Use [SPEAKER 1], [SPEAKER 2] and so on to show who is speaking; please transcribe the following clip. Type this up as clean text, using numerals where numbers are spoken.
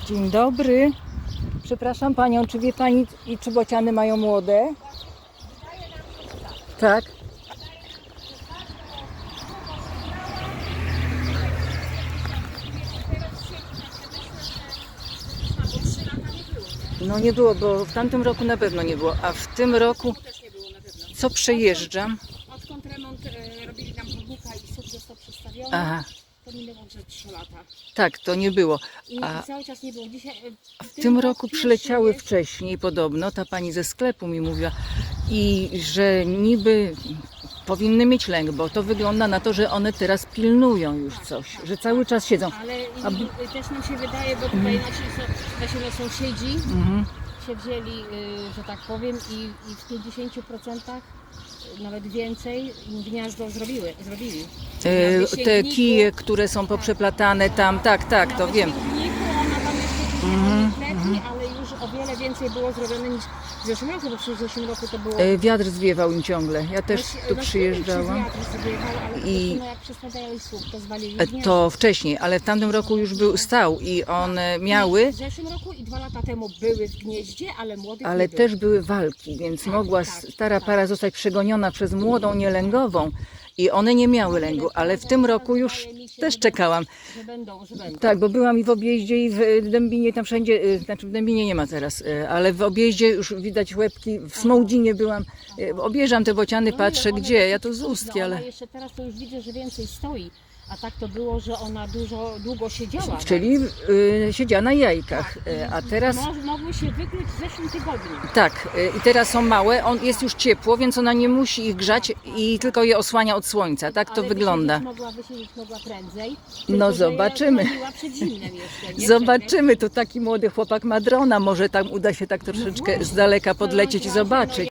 [SPEAKER 1] Dzień dobry. Przepraszam panią, czy wie pani, czy bociany mają młode? Tak. No nie było, bo w tamtym roku na pewno nie było, a w tym roku
[SPEAKER 2] Też nie było na pewno.
[SPEAKER 1] co przejeżdżam?
[SPEAKER 2] Odkąd remont robili nam chodnika i SUV został przestawiony,
[SPEAKER 1] Aha,
[SPEAKER 2] to minęło że 3 lata.
[SPEAKER 1] tak, to nie było.
[SPEAKER 2] I
[SPEAKER 1] A
[SPEAKER 2] cały czas nie było. Dzisiaj,
[SPEAKER 1] w tym roku przyleciały
[SPEAKER 2] pierwszy
[SPEAKER 1] wcześniej podobno, ta pani ze sklepu mi mówiła, i że niby powinny mieć lęk, bo to wygląda na to, że one teraz pilnują już coś, że cały czas siedzą.
[SPEAKER 2] Ale
[SPEAKER 1] A
[SPEAKER 2] też nam się wydaje, bo tutaj nasi sąsiedzi
[SPEAKER 1] Mhm.
[SPEAKER 2] się wzięli, że tak powiem, i w 50% nawet więcej gniazdo zrobili. Na
[SPEAKER 1] Te
[SPEAKER 2] wysięgniku-
[SPEAKER 1] kije, które są poprzeplatane tam, tak, to
[SPEAKER 2] na
[SPEAKER 1] wiem.
[SPEAKER 2] wysięgniku ona tam jeszcze gdzieś lepiej, ale już o wiele więcej było zrobione niż w zeszłym roku, bo w zeszłym roku to było...
[SPEAKER 1] Wiatr zwiewał im ciągle. Ja też tu przyjeżdżałam. I-
[SPEAKER 2] Jak przestawiali słup, to zwalili
[SPEAKER 1] To wcześniej, ale w tamtym roku już stał i one miały,
[SPEAKER 2] W zeszłym roku i 2 lata temu były w gnieździe, ale młodych
[SPEAKER 1] ale
[SPEAKER 2] nie było.
[SPEAKER 1] też były walki, więc mogła stara para zostać przegoniona przez młodą nielęgową i one nie miały lęgu, ale w tym roku już też czekałam.
[SPEAKER 2] Że będą.
[SPEAKER 1] Tak, bo byłam i w Objeździe, i w Dębinie, tam wszędzie, znaczy w Dębinie nie ma teraz, ale w Objeździe już widać łebki, w Smołdzinie byłam, objeżdżam te bociany, patrzę
[SPEAKER 2] one
[SPEAKER 1] gdzie, ja
[SPEAKER 2] dosyć
[SPEAKER 1] to z ustki,
[SPEAKER 2] Ona
[SPEAKER 1] ale...
[SPEAKER 2] jeszcze teraz to już widzę, że więcej stoi, a tak to było, że ona długo siedziała.
[SPEAKER 1] Czyli siedziała na jajkach, a teraz...
[SPEAKER 2] Mogły się wykluć w zeszłym tygodniu.
[SPEAKER 1] Tak, i teraz są małe, jest już ciepło, więc ona nie musi ich grzać i tylko je osłania od słońca, tak to
[SPEAKER 2] Ale
[SPEAKER 1] wygląda.
[SPEAKER 2] Wysiedzieć mogła prędzej.
[SPEAKER 1] No
[SPEAKER 2] tylko że
[SPEAKER 1] zobaczymy.
[SPEAKER 2] ja dzwoniła przed zimnem jeszcze, nie
[SPEAKER 1] Zobaczymy, tu taki młody chłopak ma drona, może tam uda się tak troszeczkę z daleka podlecieć i zobaczyć.